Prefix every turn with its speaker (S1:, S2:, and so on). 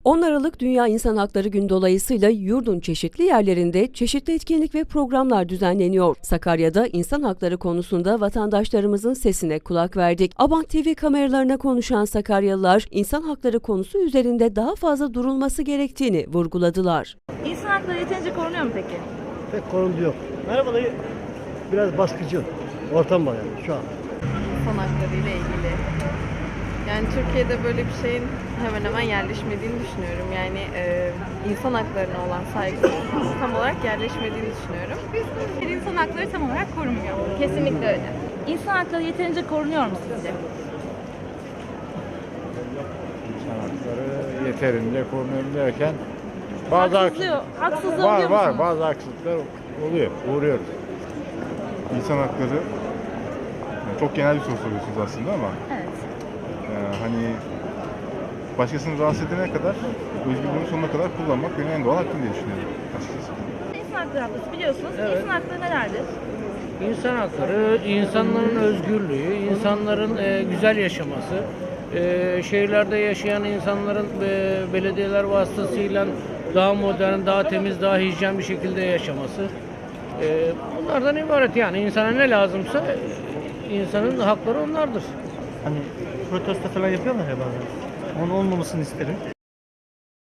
S1: 10 Aralık Dünya İnsan Hakları Günü dolayısıyla yurdun çeşitli yerlerinde çeşitli etkinlik ve programlar düzenleniyor. Sakarya'da insan hakları konusunda vatandaşlarımızın sesine kulak verdik. Abant TV kameralarına konuşan Sakaryalılar, insan hakları konusu üzerinde daha fazla durulması gerektiğini vurguladılar.
S2: İnsan hakları yeterince korunuyor mu peki?
S3: Pek korundu yok. Merhaba dayı. Biraz baskıcı ortam var yani şu an.
S4: İnsan hakları ile ilgili. Yani Türkiye'de böyle bir şeyin hemen hemen yerleşmediğini düşünüyorum. Yani insan haklarına olan saygı tam olarak yerleşmediğini düşünüyorum.
S2: İnsan hakları tam olarak korunmuyor.
S4: Kesinlikle öyle.
S2: İnsan hakları yeterince korunuyor mu sizce?
S5: İnsan hakları yeterince korunuyor derken bazı
S2: Haksızlığı
S5: var
S2: oluyor musunuz?
S5: bazı haksızlıklar oluyor, uğruyoruz.
S6: İnsan hakları çok genel bir soru soruyorsunuz aslında ama
S2: Evet.
S6: hani başkasını rahatsız edene kadar özgürlüğünü sonuna kadar kullanmak benim en doğal hakkım diye düşünüyorum açıkçası.
S2: İnsan hakları haftası biliyorsunuz. İnsan hakları nelerdir?
S7: İnsan hakları, insanların özgürlüğü, insanların güzel yaşaması, şehirlerde yaşayan insanların belediyeler vasıtasıyla daha modern, daha temiz, daha hijyen bir şekilde yaşaması. Bunlardan ibaret yani. İnsana ne lazımsa insanın hakları onlardır.
S3: Hani protesto falan yapıyorlar ya bazen. Onun olmamasını isterim.